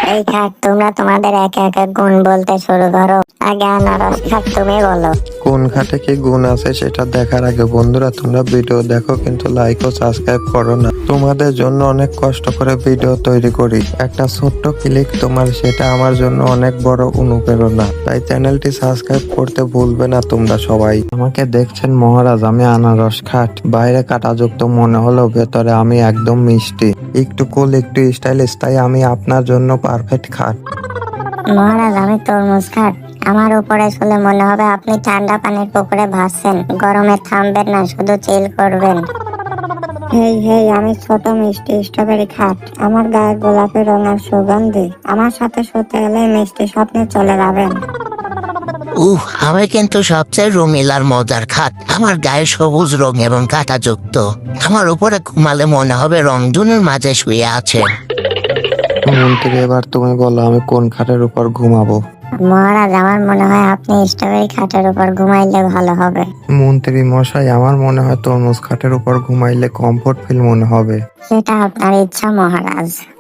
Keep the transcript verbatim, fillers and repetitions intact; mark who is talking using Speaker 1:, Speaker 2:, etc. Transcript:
Speaker 1: এই খাট, তোমরা তোমাদের একে একে গুণ বলতে শুরু করো। আগে আনারস খাট তুমি বলো।
Speaker 2: কোন খাটে কি গুণ আছে সেটা দেখার আগে বন্ধুরা তোমরা ভিডিও দেখো, কিন্তু লাইক ও সাবস্ক্রাইব করো না। তোমাদের জন্য অনেক কষ্ট করে ভিডিও তৈরি করি, একটা ছোট্ট ক্লিক তোমার, সেটা আমার জন্য অনেক বড় অনুপ্রেরণা। তাই চ্যানেলটি সাবস্ক্রাইব করতে ভুলবে না তোমরা সবাই। আমাকে দেখছেন মহারাজ, আমি আনারস খাট, বাইরে কাঁটাযুক্ত মনে হলেও ভেতরে আমি একদম মিষ্টি, একটু কুল একটু স্টাইলিশ, তাই আমি আপনার জন্য পারফেক্ট খাট।
Speaker 1: মহারাজ, আমি তরমুজ খাট। আমার উপরে শুলে মনে হবে আপনি ঠান্ডা পানির পুকুরে ভাসছেন। গরমে থামবেন না, শুধু চিল করবেন। হেই হেই, আমি ছোট মিষ্টি স্ট্রবেরি খাট। আমার গায়ে গোলাপি রঙের সুগন্ধি। আমার সাথে শুতে এলে মিষ্টি স্বপ্নে চলে যাবেন।
Speaker 3: উহ, আমি কিন্তু সবচেয়ে রঙিন আর মজার খাট। আমার গায়ে সবুজ রং এবং কাঁটাযুক্ত। আমার উপরে ঘুমালে মনে হবে রংধনুর মাঝে শুয়ে আছে।
Speaker 2: মন্ত্রী, এবার তুমি বলো আমি কোন খাটের উপর ঘুমাবো?
Speaker 1: মহারাজ, আমার মনে হয় আপনি স্ট্রবেরি খাটের উপর ঘুমাইলে ভালো হবে।
Speaker 2: মন্ত্রী মশাই, আমার মনে হয় তরমুজ খাটের উপর ঘুমাইলে কমফোর্ট ফিল মনে হবে।
Speaker 1: সেটা আপনার ইচ্ছা মহারাজ।